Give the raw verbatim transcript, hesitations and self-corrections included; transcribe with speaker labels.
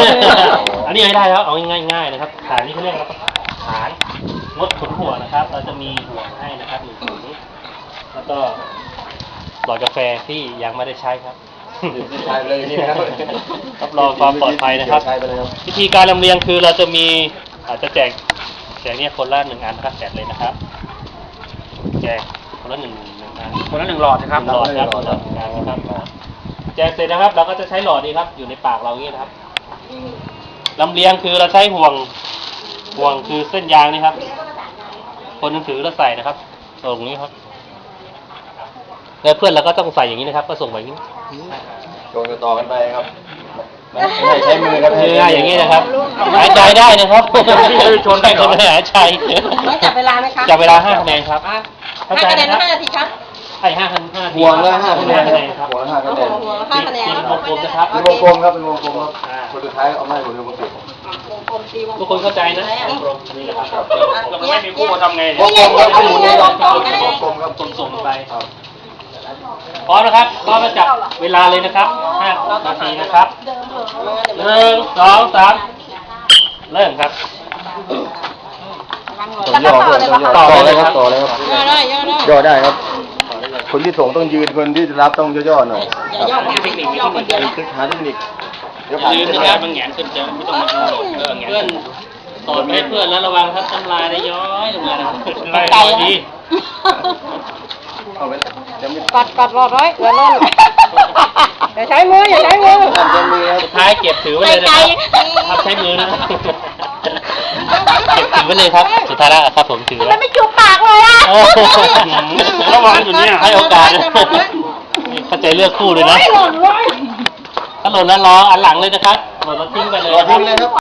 Speaker 1: อันนี้ไม่ได้แล้วเอาง่ายๆนะครับฐานนี้เขาเรียกว่าฐานงดขุนหัวนะครับ เราจะมีหัวให้นะครับหนึ่งถุงแล้วก็หลอดกาแฟที่ยังไม่ได้ใช้ครับ
Speaker 2: ใช้เลยนี่นะครับ
Speaker 1: รับรองความปลอดภัยนะครับ
Speaker 2: ใช้ไปเลยครับ
Speaker 1: วิธีการลำเลียงคือเราจะมีอาจจะแจกแจกเนี่ยคนละหนึ่งอันนะครับแจกเลยนะครับแจกคนละหนึ่งหนึ่งอัน
Speaker 3: คนละหนึ่งหลอดนะครับ
Speaker 1: หลอดครับหลอดหนึ่งอันนะครับแจกเสร็จนะครับ เราก็จะใช้หลอดนี้ครับ อยู่ในปากเราอย่างนี้นะครับลำเลียงคือเราใช้ห่วงห่วงคือเส้นยางนี่ครับ คนหนึงถือแล้วใส่นะครับตรงนี้ครับแล้วเพื่อนเราก็ต้องใส่อย่างนี้นะครับ ก็ส่งไปอย่างนี้
Speaker 2: โยนกันต่อกันไปครับไม่ให้ใช้มือครับ
Speaker 1: คือง่ายอย่างนี้นะครับหายใจได้นะครับชนได้คนไม่หายใจ
Speaker 4: ต้องจับเวลาไหมคะ
Speaker 1: จับเวลาห้าคะแนนครับ
Speaker 4: อ่ะ
Speaker 1: เข้า
Speaker 4: ห้า
Speaker 1: ใจ
Speaker 4: คะแนน
Speaker 1: นะครับ
Speaker 4: ห้านาทีครับ
Speaker 1: ไอ้ห้าคะแนนห้า
Speaker 2: ห่วงละห้าคะแนน
Speaker 1: คะแนนครับ
Speaker 2: ห่วงละห้าคะแนน
Speaker 4: หัวละห้าคะแนน
Speaker 1: เป็นวงกลมนะครับ
Speaker 2: เป็นวงกลมครับเป็นวงกลมครับคนสุดท้ายเอาไม้หัวเรือมาปิด
Speaker 4: วงกลมตีวงกลม
Speaker 1: ทุกคนเข้าใจนะวงกลมนี่แหละครับ
Speaker 3: เราไม่มีคู่ทำไง
Speaker 2: วงกลมครับหมุนนี้ครับวงกลมครับ
Speaker 1: ส่งๆไปพร้อมนะครับพร้อมจะจับเวลาเลยนะครับห้านาทีนะครับหนึ่งสองสามเริ่มครับ
Speaker 2: ต้องย่อด้วยต้องย่อต่อเลยครับต่อเลยครับ
Speaker 4: ย่อได้ย่อได้
Speaker 2: ย่อได้ครับ คนที่ส่งต้องยืนคนที่รับต้องย่อๆหน่อย
Speaker 4: อย่าย่อมากย่อคนเดียวนะ
Speaker 2: หาเทคนิคเดี๋ยว
Speaker 1: อ
Speaker 2: ผ่าน
Speaker 1: ย่าลืม
Speaker 2: ไป
Speaker 1: นะครับมันแหงนขึ้นจะไม่ต้องมาโดดเออแหงนเพื่อนสอนไปให้เพื่อนแล้วระวังครับน้ำลายได้ย้อยลงมานะครับไก่ดี
Speaker 2: เอาไปจะไม่
Speaker 4: ปัดปัดรอดไว้อย่าล่นอย่าใช้มืออย่าใช้มือ
Speaker 2: จะมีครับ
Speaker 1: สุดท้ายเก็บถือไว้เลยนะครับครับใช้มือนะครับเก็บถือไว้เลยครับสุดท้ายแล้วครับผมถือไว้
Speaker 4: มันไม่จูบปากเลยอ่ะ
Speaker 1: โอ้โหระวังอยู่เนี่ยให้โอกาสเข้าใจเลือกคู่เลยนะ
Speaker 4: หล่นเลย
Speaker 1: ถ้าหล่นแล้วรออันหลังเลยนะครับหล่นแล้วทิ้งไปเลย
Speaker 2: รอทิ้งเลยครับ